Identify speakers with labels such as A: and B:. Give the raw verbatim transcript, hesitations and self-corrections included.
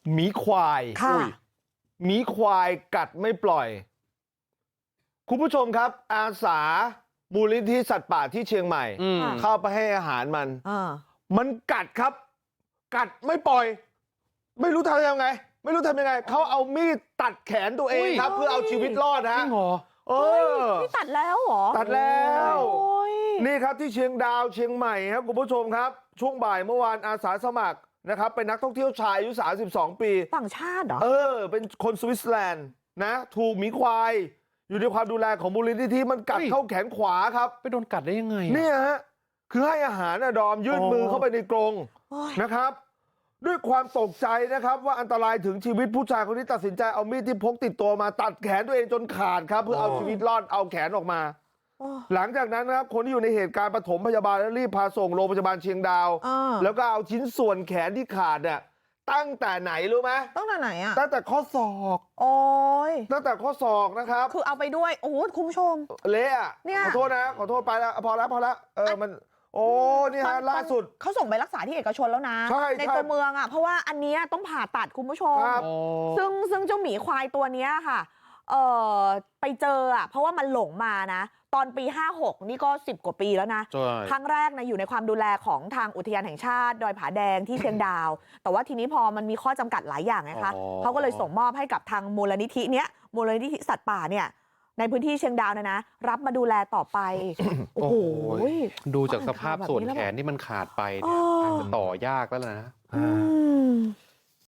A: หมีควายหมีควายกัดไม่ปล่อยคุณผู้ชมครับอาสามูลนิธิสัตว์ป่าที่เชียงใหม่เข้าไปให้อาหารมันมันกัดครับกัดไม่ปล่อยไม่รู้ทำยังไงไม่รู้ทำยังไงเขาเอามีดตัดแขนตัวเองครับเพื่อเอาชีวิตรอดนะเออ
B: นี่ตัดแล้วเหรอ
A: ตัดแล้วนี่ครับที่เชียงดาวเชียงใหม่ครับคุณผู้ชมครับช่วงบ่ายเมื่อวานอาสาสมัครนะครับเป็นนักท่องเที่ยวชายอายุสามสิบสองปี
B: ต่างชาติเหรอ
A: เออเป็นคนสวิตเซอร์แลนด์นะถูกหมีควายอยู่ในความดูแลของมูลนิธิมันกัดเข้าแขนขวาครับ
C: ไปโดนกัดได้ยังไง
A: เนี่ยฮะคือให้อาหารนะดอมยื่นมือเข้าไปในกรงนะครับด้วยความตกใจนะครับว่าอันตรายถึงชีวิตผู้ชายคนนี้ตัดสินใจเอามีดที่พกติดตัวมาตัดแขนตัวเองจนขาดครับเพื่อเอาชีวิตรอดเอาแขนออกมาหลังจากนั้นนะครับคนที่อยู่ในเหตุการณ์ปฐมพยาบาลแล้วรีบพาส่งโรงพยาบาลเชียงดาวแล้วก็เอาชิ้นส่วนแขนที่ขาดเนี่ยตั้งแต่ไหนรู้ไหม
B: ตั้งแต่ไหนอะ
A: ตั้งแต่ข้อศอก
B: โอ้ย
A: ตั้งแต่ข้อศอกนะครับ
B: คือเอาไปด้วยโอ้โหคุณผู้ชม
A: เละอะขอโทษนะขอโทษไปแล้วพอแล้วพอแล้วเออมันโอ้นี่ฮะล่าสุด
B: เขาส่งไปรักษาที่เอกชนแล้วนะ
A: ใ
B: ในตัวเมืองอ่ะเพราะว่าอันนี้ต้องผ่าตัดคุณผู้ชมซึ่งซึ่งเจ้าหมีควายตัวนี้ค่ะเออไปเจออ่ะเพราะว่ามันหลงมานะตอนปีห้าหกนี่ก็สิบกว่าปีแล้วนะครั้งแรกนะอยู่ในความดูแลของทางอุทยานแห่งชาติดอยผาแดงที่เชียงดาวแต่ว่าทีนี้พอมันมีข้อจำกัดหลายอย่างไงคะเขาก็เลยส่งมอบให้กับทางมูลนิธิเนี้ยมูลนิธิสัตว์ป่าเนี่ยในพื้นที่เชียงดาวนะนะรับมาดูแลต่อไปโอ้โห
C: ดูจากสภาพส่วนแขนที่มันขาดไปเนี่ยอาจจะต่อยากแล้วนะ